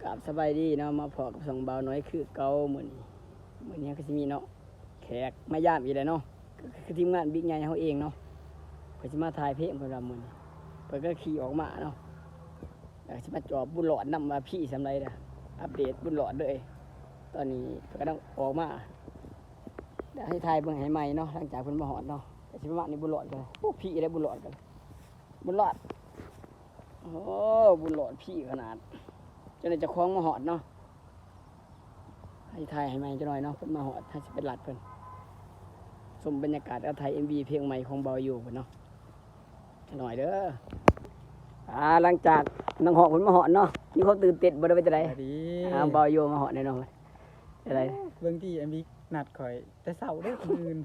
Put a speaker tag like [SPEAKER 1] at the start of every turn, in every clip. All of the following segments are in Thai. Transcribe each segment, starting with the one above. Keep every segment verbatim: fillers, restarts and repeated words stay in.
[SPEAKER 1] กราบสบายดีเนาะมาพอกับสองเบาน้อยคือเก่าเหมือนเหมือนนี้ก็จะมีเนาะแขกมาย่ามอีกแล้วเนาะคือทีมงานบิ๊กใหญ่เขาเองเนาะเพื่อจะมาถ่ายเพลงเพื่อนเราเหมือนเพื่อนก็ขี่ออกมาเนาะแล้วจะมาจอบบุญหลอดนำมาพี่สำไรนะอัปเดตบุญหลอดเลยตอนนี้เพื่อนก็ต้องออกมาเดี๋ยวให้ถ่ายเบื้องให้ใหม่เนาะหลังจากเพื่อนมาหอดเนาะแต่ชิมว่านี่บุญหลอดกันโอ้พี่ได้บุญหลอดกันบุญหลอดโอ้บุญหลอดพี่ขนาดจนจะคล้องมาหอดเนาะให้ไทยให้ใหม่จะหน่อยเนาะเพิ่นมาหอดถ้าจะเป็นหลัดเพิ่นชมบรรยากาศเอาไทยเอ็มวีเพลงใหม่ของเบาอยู่เพิ่นเนาะจะหน่อยเด้ออ่าหลังจากน้องหอดเพิ่นมาหอดเนาะนี่เขาตื่นเต้นบ่ได้ไปจะไดอ่าเบาอยู่มาหอดแน่นอนอะไร
[SPEAKER 2] เบิ่งที่เอ็มวีนัดข่อยแต่เช้าเด้อคนอื่น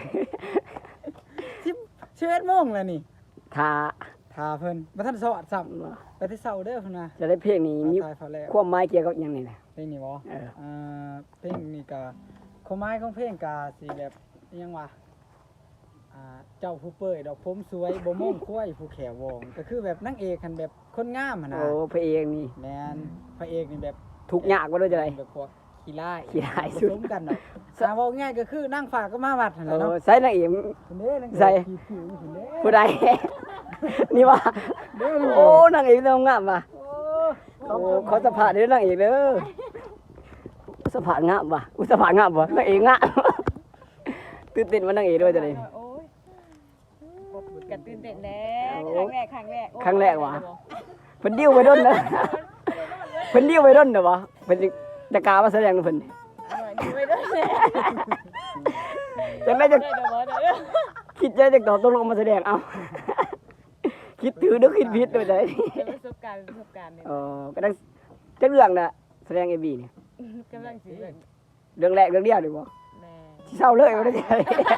[SPEAKER 2] สิบ สิบเอ็ดโมงแล้วนี่
[SPEAKER 1] ท่า
[SPEAKER 2] ท่าเพิ่นบ่ทันสอดซ้ำไปแต่เช้าเด้อเพิ่นว่า
[SPEAKER 1] จะได้เพลงนี้มีความหมายเกี่ยวกับหยังนี่นะ
[SPEAKER 2] เพลงนี้บ่เอออ่าเพลงนี้ก็ความหมายของเพลงก็สิแบบอิหยังวะอ่าเจ้าผู้เปื่อยดอกผมสวยบ่ม่งคุ้ยผู้แขววงก็คือแบบนางเอกคันแบบคนงามหั่นน่ะ
[SPEAKER 1] โอ้พระเอกนี่
[SPEAKER 2] แม่นพระเอกนี่แบบ
[SPEAKER 1] ทุกข์ยากบ่ได้จะได
[SPEAKER 2] แบบพวกขี้ร้าย
[SPEAKER 1] ขี้ร้ายสุด
[SPEAKER 2] กันเนาะถ้าเว้าง่ายก็คือนางฟ้าก็มาวัดหั่นแหละเนาะ
[SPEAKER 1] ใส่นางเอก
[SPEAKER 2] ใส่
[SPEAKER 1] ผู้ใดนี่ว่าโอ้นางเอกต้องงามว่ะโอ้เขาสะพานเด้อนางเอกเด้อสะพานงามว่ะอุสะพานงามว่ะนางเอกงามตื่นเต้นว่านางเอกด้วยจังได๋
[SPEAKER 3] โอ้ยก็ตื่นเต้นแน่ครั้งแรกครั้งแรก
[SPEAKER 1] ครั้งแรกว่ะเพิ่นดิ้วไปด้นนะเพิ่นดิ้วไปด้นเด้อบ่เพิ่นจะกล้ามาแสดงเพิ่น
[SPEAKER 3] ดิ้วไปด้นแน่
[SPEAKER 1] จังได๋จะคิดจะจะตอบตกลงมาแสดงเอาคิดถือหรือคิดผิดด้วยจังได๋
[SPEAKER 3] ประสบการณ์ประสบการณ์นี่
[SPEAKER 1] อ๋อก็ได้จักเรื่องน่ะแสดง เอ็ม วี นี่
[SPEAKER 3] กำลังสิ
[SPEAKER 1] เรื่องแรกเรื่องเดียวดิบ่
[SPEAKER 3] แม่
[SPEAKER 1] สิเศร้าเลยบ่ได้จังได๋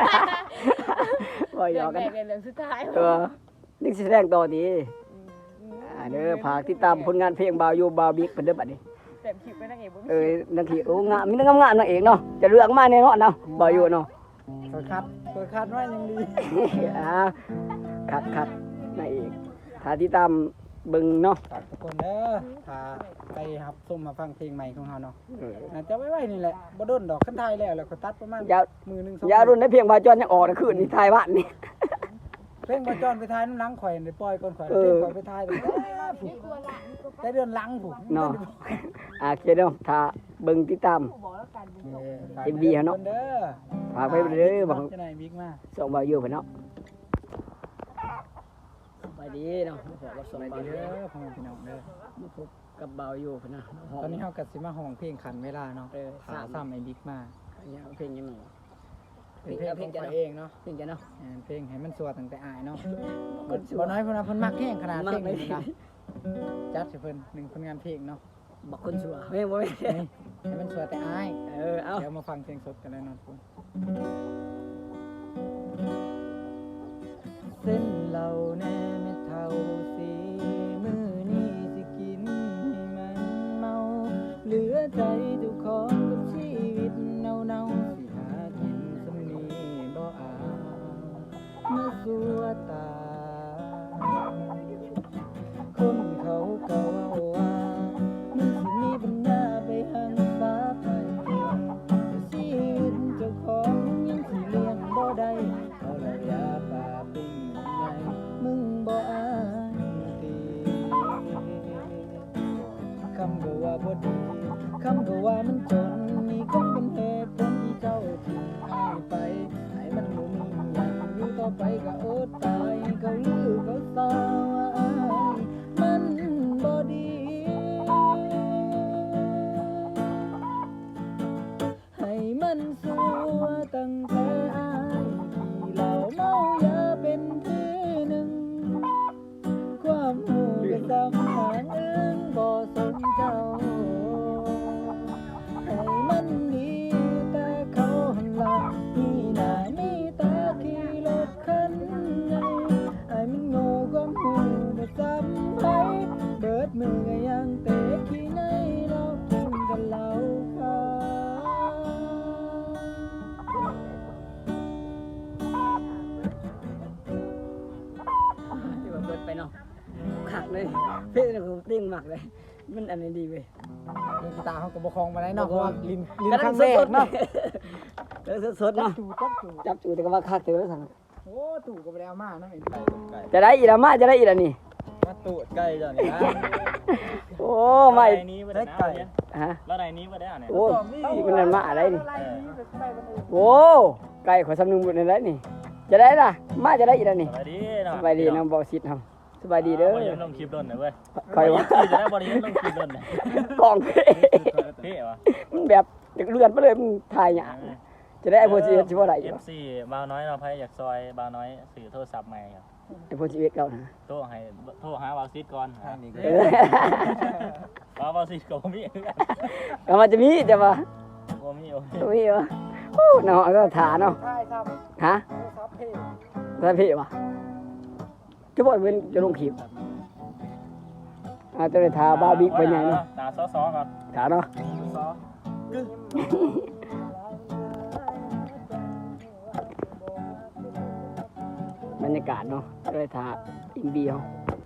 [SPEAKER 1] บ่หยอกกัน
[SPEAKER 3] เรื่องสุดท้าย
[SPEAKER 1] เออนี่สิแสดงต่อดีอ่าเด้อฝากติดตามผลงานเพลงบ่าวอยู่บ่าวบิ๊กเพิ่นเด้อบัดนี้
[SPEAKER 3] เต็มคลิปไปนางเอกบ่มี
[SPEAKER 1] เอ้ยนางเอกโอ้งามมีนางงามๆนางเอกเนาะจะเลือกมาแน่เนาะเนาะบ่อยู่เนาะ
[SPEAKER 2] เปิดคัดเปิดคัดไว้ยังดี
[SPEAKER 1] อ่าคัดคัดนางเอกถ้าติดตามเบิ่งเนาะ
[SPEAKER 2] ฝากทุกคนเด้อถ้าไปรับชมมาฟังเพลงใหม่ของเฮาเนาะน่าจะไว้ๆนี่แหละบ่โดนดอกคันไทยแล้วแล้วก็ตัดประมาณมื้อนึงสอง
[SPEAKER 1] ยาวรุ่นได้เพียงบาจอนยังออกนะคืนนี้ถ่ายบ้านนี่
[SPEAKER 2] เพลงบ่จอนไปถ่ายน้ำหลังข่อยได้ปล่อยก่อนข่อยเพลงข่อยไปถ่ายตั้งแต่เดือนหลังพุ่น
[SPEAKER 1] เนาะอ่าโอเคเนาะถ้าเบิ่งติดตาม เอ็ม วี เฮาเนาะฝากไปเด้อบอก
[SPEAKER 2] จะไหนบิ๊กมา
[SPEAKER 1] ส่งบ่าวอยู่เพิ่นเนาะสบายดีเนาะขอรับสบายดีเด้อพ่อแม่พี่น้องเด้อมาพบกับบ่าวอยู่เพิ่นนะ
[SPEAKER 2] ตอนนี้เฮาก็สิมาห้องเพลงขันเวลาเนาะเออสามซ้ำไอ้บิ๊กมา
[SPEAKER 1] อันนี้เพลงยังไง
[SPEAKER 2] เพลงเพลงจะเองเนาะ
[SPEAKER 1] เพลงจะเนาะ
[SPEAKER 2] เพลงให้มันสวดตั้งแต่อายเนาะบ่น้อยเพิ่นว่าเพิ่นมักแฮงขนาดเพลงนี้นะจัดให้เพิ่นหนึ่งผลงานเพลงเนาะ
[SPEAKER 1] บักคนสัวแม่บ่แม่
[SPEAKER 2] ให้มันสวดแต่อาย
[SPEAKER 1] เออเอา
[SPEAKER 2] เดี๋ยวมาฟังเพลงสดกันเลยเนาะทุกคนเส้นเหล่าแน่เม็ดเท่าสีมื้อนี้สิกินให้มันเมาเหลือใจเจ้าของกับชีวิตเน่าๆสิหากินสำนีบ่อามาสัวตาคนเขาก็เว้าว่ามึงสิมีปัญญาไปหันฟ้าไปแต่ชีวิตเจ้าของยังสิเลี้ยงบ่ได้เอาละยาป่าปิ้งใหญ่มึงบ่อายตีคำก็ว่าบ่ดีคำก็ว่ามันจนนี่คงเป็นเหตุผลที่เจ้าทิ้งอายไปให้มันบ่มีหยังอยู่ต่อไปก็อดตายเขาลือเขาซาว่าอายมันบ่ดีให้มันสัวตั้งแต่อายที่เหล้าเมายาเป็นทีหนึ่งความหูก็ซ้ำทางอื่นบ่สนเจ้าให้มันดีแต่เขาหันหลังมีหน้ามีตาขี่รถคันใหญ่ให้มันโง่ความหูก็ซ้ำไปเบิดมือก็ยังเตะขี้ในเรากินกันเหล้าขาว
[SPEAKER 1] ที่ว่าเบิดไปเนาะคักเลยเพลงนี่ผมติ้งมากเลยมันอันนี้ดีเว้ย
[SPEAKER 2] เล่นกีตาร์เขาก็บ่คล่องปานใดเนาะเพราะว่าลิ้นลิ้นครั้งแรกเนาะ
[SPEAKER 1] เออสดๆ
[SPEAKER 2] จับ
[SPEAKER 1] เนาะ
[SPEAKER 2] จูจับจู
[SPEAKER 1] จับจูแต่ก็ว่าคักเต๋อสั่ง
[SPEAKER 2] โอ้ตู่ก็บ่ได้เอามาเนาะเห็น
[SPEAKER 1] จะได้อีละมาจะได้อีละนี่
[SPEAKER 4] มาตูดไก่จ้ะนี่นะ
[SPEAKER 1] โอ้ไม่
[SPEAKER 4] ไก่นี้บ่ได้ไก่
[SPEAKER 1] ฮะ
[SPEAKER 4] แล้วไก่นี้บ่ได้อ่ะเนี่ย
[SPEAKER 1] โอ้ยมันนั่นมาอะไรนี่
[SPEAKER 2] ไล่นี้ไปไปมันอื่น
[SPEAKER 1] โอ้ไก่ขอสำนึงหมดในไรนี่ จะได้ล่ะ มาจะได้อีละนี่
[SPEAKER 4] สบายดีเนาะ
[SPEAKER 1] สบายดีน้องบอกสิทธิ์ทำสบายดีเด้อ
[SPEAKER 4] บ่ได้ลงคลิปโดนน่ะเว้ย
[SPEAKER 1] คอยว่า
[SPEAKER 4] จะได้บ่ได้ลงคลิปโดนน่ะ
[SPEAKER 1] กล่องเพ่
[SPEAKER 4] เท่ว่ะ
[SPEAKER 1] มันแบบจากเลือนไปเลยมันถ่ายหยาจะได้ไอโฟนซีเอสชิบะไรอ
[SPEAKER 4] เอยู่ ฟซีบ่าวน้อยเนาะไผอยากซอยบ่าวน้อยซื้อโทรศัพท์ใหม่ครับ
[SPEAKER 1] ไอโฟนซีเอสเก่านะ
[SPEAKER 4] โทรให้โทรหาบ่าวซิดก่อนหา
[SPEAKER 1] เออ
[SPEAKER 4] บ่าวบ่าวซิดก็บ่มีคือกัน
[SPEAKER 1] เอามาจะมีจะมา
[SPEAKER 4] บ่มีโอ้
[SPEAKER 1] จะมีวะโอ้เนาะก็ถาเนาะ
[SPEAKER 2] ใช่ครับ
[SPEAKER 1] ฮะ
[SPEAKER 2] ซับเพจ
[SPEAKER 1] แล้วพี่วะจะบอกเป็นจะลงคลิปอาจะได้ทาบ้าบิ๊กไปไงเนาะ
[SPEAKER 4] ตาซ้อๆก่อน
[SPEAKER 1] ถาเนาะ
[SPEAKER 4] ซ้อ
[SPEAKER 1] บรรยากาศเนาะจะได้ทาอินเดีย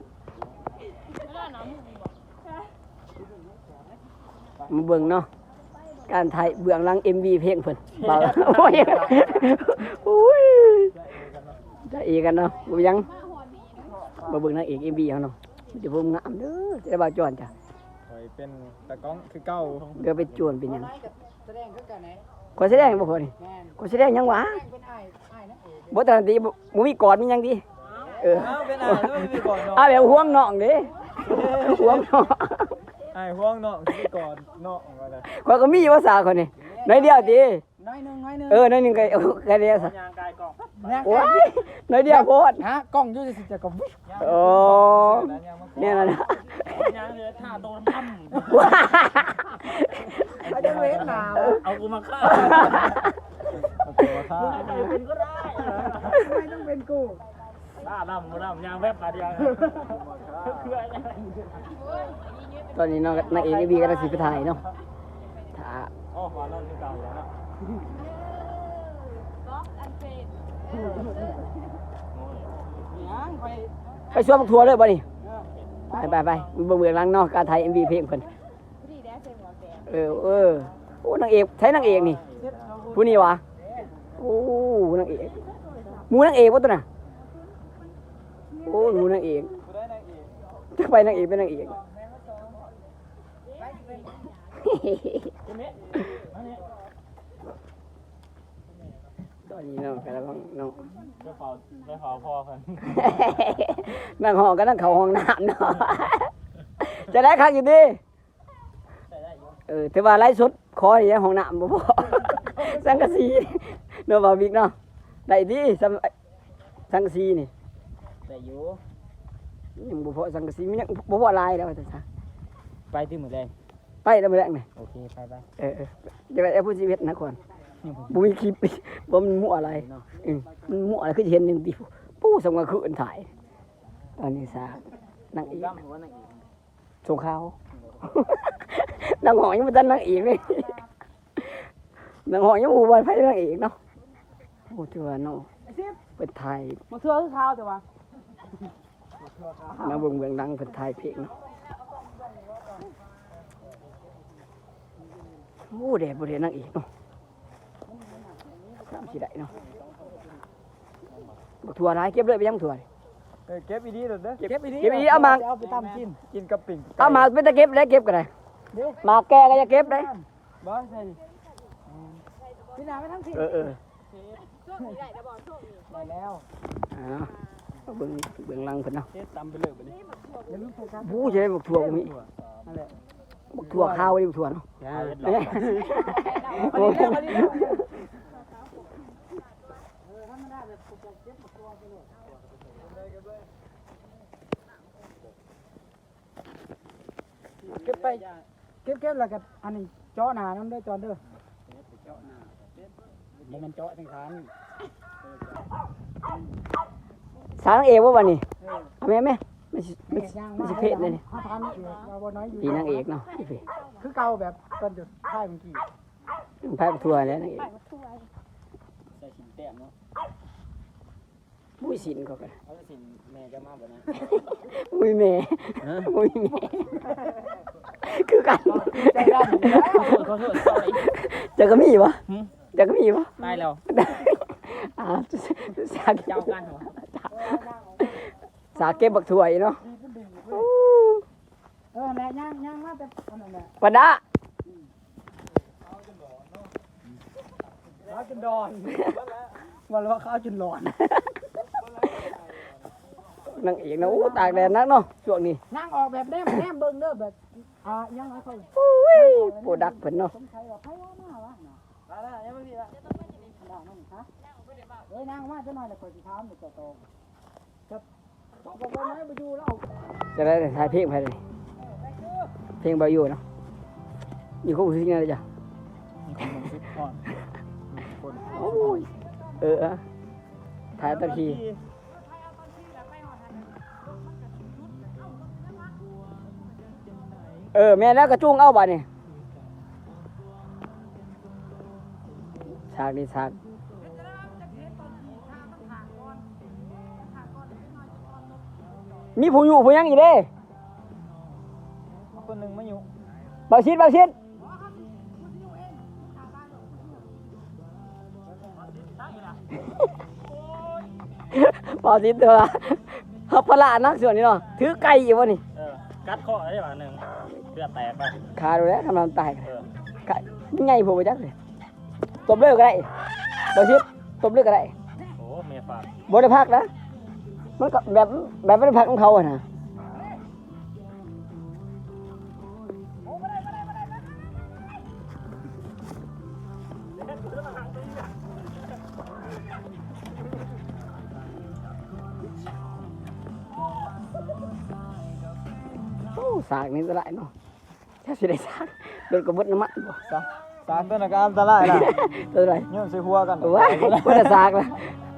[SPEAKER 1] มาเบิ่งเนาะการถ่ายเบื้องหลัง เอ็ม วี เพลงเพิ่นเบาโอ้ยโอ้ยจะเอกันเนาะบ่ยังมาเบิ่งนางเอก เอ็ม วี เฮาเนาะเดี๋ยวผมงามเด้อจะได้บ่าวจอนจ้ะ
[SPEAKER 4] คอยเป็นตะก้องคือเก่า
[SPEAKER 1] เดี๋ยวไปจวนเป็นหยัง
[SPEAKER 2] ไล่กับแสดงคือกันไหน
[SPEAKER 1] ขอแสดงบ่พอนี่
[SPEAKER 2] แม่น
[SPEAKER 1] ขอแสดงหยังวะ
[SPEAKER 2] แสดงเป็นอ้ายอ้ายนั่นเอง
[SPEAKER 1] บ่ทันทีบ่บ่มีกอดมีหยังดีเออ
[SPEAKER 4] เอ้าเป็นอ้ายแล้วมีก่อนเนาะ
[SPEAKER 1] เอาแบบห่วงน้องเด้ห่วงน้อง
[SPEAKER 4] อ้ายห่วงเนาะคือก่อนเนาะว่าได้
[SPEAKER 1] ข้อยก็มีภาษาคนนี่น้อยเดียวติ
[SPEAKER 2] น้อยหนึงน้อยหนึง
[SPEAKER 1] เออน้อยหนึงก็เอาแค่เดียวซะ
[SPEAKER 4] ยางกายกล่อง
[SPEAKER 2] เนี่ย
[SPEAKER 1] โอ้ยน้อยเดียวโพด
[SPEAKER 2] ฮะกล้องอยู่สิจะก็วิ
[SPEAKER 1] โอ้เนี่ยนะนะ
[SPEAKER 4] ยางเลยท่าโดนท
[SPEAKER 2] เขาจะเว้นหนาว
[SPEAKER 4] ำเอากูมาฆ่าเอากูมาฆ่าใครเป็นก็ได้
[SPEAKER 2] ไม่ต้องเป็นกู
[SPEAKER 4] ฆ่าดำกูดำยางแวบขาดยางคืออะไร
[SPEAKER 1] ตอนนี้น้องนางเอกนี่บีก็ได้สิไปถ่ายเนาะถ้า
[SPEAKER 4] อ๋อขวานนั่นคือเก่าแล้วเนาะ
[SPEAKER 2] ยังไป
[SPEAKER 1] ไปชวนบักทัวร์เลยบ่นี่ไปไปไปเบิ่งเบื้องหลังเนาะการถ่าย เอ็ม วี เพลงเพิ่นเออเออโอ้นางเอกใช้นางเอกนี่ผู้นี้วะโอ้นางเอกหมูนางเอกบ่ตัวน่ะโอ้หมูนางเอกจะไปนางเอกเป็นนางเอกตอนนี้เนาะกำลังเนาะ
[SPEAKER 4] ไปเฝ้าไปเฝ้าพ่อเพิ่น
[SPEAKER 1] นั่งห้องก็นั่งเข้าห้องน้ำเนาะ จะได้คักอยู่ดิเออแต่ว่าไล่สดขอนี่ห้องน้ำบ่พอ สังกะสีเนาะบ่าวบิ๊กเนาะได้ดิสังสังกะสีนี่
[SPEAKER 2] แต่อยู่
[SPEAKER 1] ยังบ่พอสังกะสีมันยังบ่พอลายแล้วว่าซั่นซะ
[SPEAKER 2] ไปที่หมือแดง
[SPEAKER 1] ไปแล้วมื้อแรกนี่
[SPEAKER 2] โอเคไปไป
[SPEAKER 1] เออเออจะไปเอาผู้ชีวิตนะก่อนบ่มีคลิป บ่มันมั่วอะไรอืมมันมั่วอะไรคือสิเห็นหนึงติปู้สมกับคืนถ่าย ตอนนี้ซะนางเอก
[SPEAKER 2] ดำหัวนั่งอีก
[SPEAKER 1] สงขาว นางหอยยังไม่ทันนางเอกเลยนางหอยยังอูบอลไพ่นางเอกเนาะโอ้เถื่อนเนาะเปิดไทย
[SPEAKER 2] มาเทื่อคือข้าวแต่ว่า
[SPEAKER 1] มาเบิ่งเบิ่งดังเปิดไทยเพลงเนาะโอ้เด็ดบ่เด็ดนางเอกเนาะสามสิได้เนาะบักถั่วร้ายเก็บเลยไปยังถั่วนี่
[SPEAKER 4] เออเก็บอีดีเด้อ
[SPEAKER 2] เก็บอีดี
[SPEAKER 1] เก็บอีดีเอามา
[SPEAKER 2] เอาไปตำกิน
[SPEAKER 4] กินกับปิ่ง
[SPEAKER 1] เอามาเป็นตะเก็บแล้วเก็บกันเลยมาแก่ก็จะเก็บได้
[SPEAKER 2] บ่ใช่พี่นาไม่ทั้งที
[SPEAKER 1] เออเออ
[SPEAKER 2] ได้แล้ว
[SPEAKER 1] อ่าเอาเบิ่งเบิ่งหลังเพิ่นเนาะ
[SPEAKER 4] เฮ็ดตำไปเลยบัดนี้
[SPEAKER 2] อย่าลืมโฟกัส
[SPEAKER 1] บู้จะได้บักถั่วบ่มี
[SPEAKER 2] นั่นแหละ
[SPEAKER 1] บักถั่วข้าวดิบักถั่วเนาะ
[SPEAKER 4] เฮ็ดหล
[SPEAKER 1] เอ้
[SPEAKER 4] อย ก
[SPEAKER 1] โอ้ย
[SPEAKER 2] เก็บไปเก็บเก็บแล้วก็อันนี้เจาะหน้าน้ำเด้อจอนเด้อบ่มันเจาะทั้งคัน
[SPEAKER 1] สางเอวบ่วันนี้เอาแม่แม่ไม่ใช่ไม่
[SPEAKER 2] นี่
[SPEAKER 1] ใช่
[SPEAKER 2] ย่าง
[SPEAKER 1] ไม่
[SPEAKER 2] มา
[SPEAKER 1] ใช่เพศเลยนี่
[SPEAKER 2] ห้าพันนี่ว่าบ่น้อยอยู่
[SPEAKER 1] ปีนางเอกเนาะพี่เพ่
[SPEAKER 2] คือเก่าแบบตอนจุดท้ายเมื่อกี้
[SPEAKER 1] พายทัวร์แล้วนางเอก
[SPEAKER 4] ใส่ชิ้นแต้มเนาะ
[SPEAKER 1] บุ้ยสินเขากัน
[SPEAKER 4] เอาสินแม่จะมาบ่นะ
[SPEAKER 1] บุ้ยแม่บุ้ยแม่คือกัน
[SPEAKER 2] ใจดำอยู่แล้ว
[SPEAKER 4] ขอโทษขอโทษเอาอีก
[SPEAKER 1] จะก็มีปะ
[SPEAKER 4] หึ
[SPEAKER 1] จะก็มีปะ
[SPEAKER 4] ตายแล้ว
[SPEAKER 1] อ่าสาก
[SPEAKER 4] เจ้ากันเหรอ
[SPEAKER 1] สากเก็บบักถั่วอีเนาะ
[SPEAKER 2] เออแม่ย่างย่างมาแต่อันนั้นแหละ
[SPEAKER 1] ปันดา
[SPEAKER 2] ข้าวจนดอนวันละว่าข้าวจนหลอน
[SPEAKER 1] นางเอกนะอู้ตากแดดนักเนาะช่วงนี้
[SPEAKER 2] นั่งออกแบบแนมแนมเบิ่งเด้อแบบอ่ายังไงเขา
[SPEAKER 1] อุ้ยโปรดักเพิ่นเนาะ
[SPEAKER 2] สงสัยว่าไผว่าหน้าวะน่ะ
[SPEAKER 4] มาแล้วยังไม่มีละ
[SPEAKER 2] ได้นั่นฮะเอ้ยนั่งมาจะหน่อยแล้วคอยสิถามเดี๋ยวโตๆครับบอกบอกว่าไหนไปอยู่แล้ว
[SPEAKER 1] จะได้ถ่ายเพลงไปเลยเพลงเบาอยู่เนาะอยู่คู่สิ่งนั้นเลยจ้ะ
[SPEAKER 4] ก่อน
[SPEAKER 1] โอ้ยเอออะถ่ายตะทีเออแม่แล้วกระจุ้งเอาบ่เนี่ยฉากนี้ฉากมีผู้อยู่ผู้ยังอีกเด้
[SPEAKER 4] คนหนึ่งไม่อยู่
[SPEAKER 1] เบาชิดเบาชิดเบาชิดตัวเขาพละนักส่วนนี้เนาะถือไก่อยู่วะนี่
[SPEAKER 4] เออกัดข้อได้ป่ะหนึ่งเลือดแตกไป
[SPEAKER 1] ขาดูแล้วทำลายตาย
[SPEAKER 4] เออ
[SPEAKER 1] ไก่ยังไงผมไปจักเลยตบเลือกก็ได้เบาชิดตบเลือกก็ได้
[SPEAKER 4] โอ้เมียฝาก
[SPEAKER 1] บริพักนะมันก็แบบแบบบริพักของเขาอะนะโอ้สากนี่จะได้เนาะถ้าสิได้สากโดนกระเบิดน้ำมันบ่
[SPEAKER 2] สาสารต้นการอันตรายล่ะ
[SPEAKER 1] ตัวอะไร
[SPEAKER 2] เนี่ยใส่หัวกัน
[SPEAKER 1] ว้ายบ่ได้สากนะ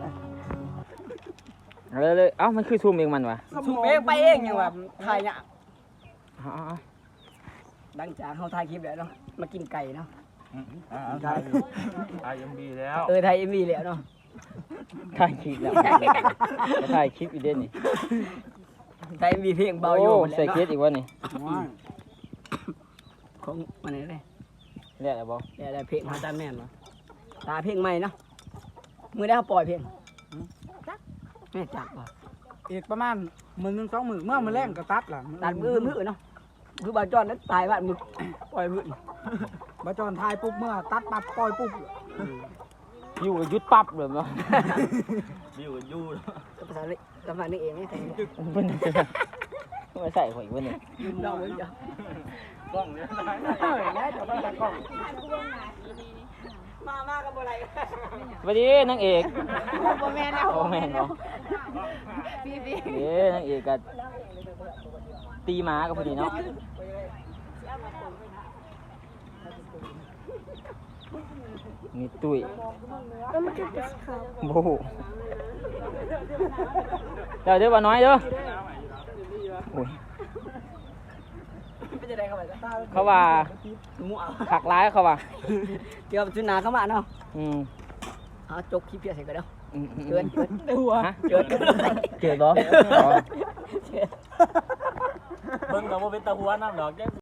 [SPEAKER 5] เลยเลยเอ้ามันคือซูมเองมันวะ
[SPEAKER 1] สูบเองไปเองยังว่าถ่ายเนี่ย
[SPEAKER 5] อ๋อ
[SPEAKER 1] หลังจากเขาถ่ายคลิปแล้วเนาะมากินไก่เนาะ
[SPEAKER 4] ถ่ายถ่ายยังดีแล้ว
[SPEAKER 1] เออถ่ายเอ็มวีแล้วเนาะ
[SPEAKER 5] ถ่ายคลิปแล้วจะถ่ายคลิปอีกเด่นนี่
[SPEAKER 1] ถ่ายเอ็มวีเพลงเบาอยู่
[SPEAKER 5] โอ้
[SPEAKER 1] หมดแล้ว
[SPEAKER 5] ใส่เคสอีกวะนี่
[SPEAKER 1] ของมันไหนเลย
[SPEAKER 5] เรียกอะไรบอก
[SPEAKER 1] เดี๋ยวได้เพลงของอาจารย์แม่นเนาะตาเพลงใหม่เนาะมือได้เขาปล่อยเพลงแม่จักป่ะ
[SPEAKER 2] อีกประมาณหมื่นหนึ่งสองหมื่นเมื่อมันแรงก็ตัดล่ะ
[SPEAKER 1] ตัดมือมือเนาะคือบาจอนนั้นตายบ้านมือปล่อยมือ
[SPEAKER 2] บาจอนทายปุ๊บเมื่อตัดปั๊บปล่อยปุ๊บ
[SPEAKER 5] อยู่กับยุดปั๊บเลยมั้ง
[SPEAKER 4] อยู่กับยูแล้ว
[SPEAKER 1] ภาษานี้ภาษานี้เองนี่แต่ง
[SPEAKER 5] มันไม่ใส่หัวอีกวะนี่
[SPEAKER 1] ยืนเดาเหมือนกัน
[SPEAKER 4] กล้องเนี่ย
[SPEAKER 2] เออแล้วจะมาตัดกล้อง
[SPEAKER 1] มามากับอะไร
[SPEAKER 5] สวัสดีนางเอก
[SPEAKER 3] โมแมนแล้ว
[SPEAKER 5] โอ้แม่นบ่
[SPEAKER 3] พี่พี่
[SPEAKER 5] เด้นางเอกกับตีหมากับพอดีเนาะนี่ตุ้ยโอ้โหเดี๋ยวเดี๋ยวว่าน้อยเด้อโอ้ย
[SPEAKER 1] ไม่จะได้เข้าไปกัน
[SPEAKER 5] เขาว่า
[SPEAKER 1] มั่ว
[SPEAKER 5] ขักร้ายเขาว่า
[SPEAKER 1] เดี๋ยวจุนนาเข้ามาเนาะ
[SPEAKER 5] อืม
[SPEAKER 1] เอาจกคลิปเพียเสร็จกันเด้อ
[SPEAKER 5] อืมอืม
[SPEAKER 1] เกินเกิน
[SPEAKER 5] ฮะ
[SPEAKER 1] เกิน
[SPEAKER 5] เกิดบ่อ๋อ
[SPEAKER 4] เบิ่งกับโมเป็นตะหัวน้ำดอก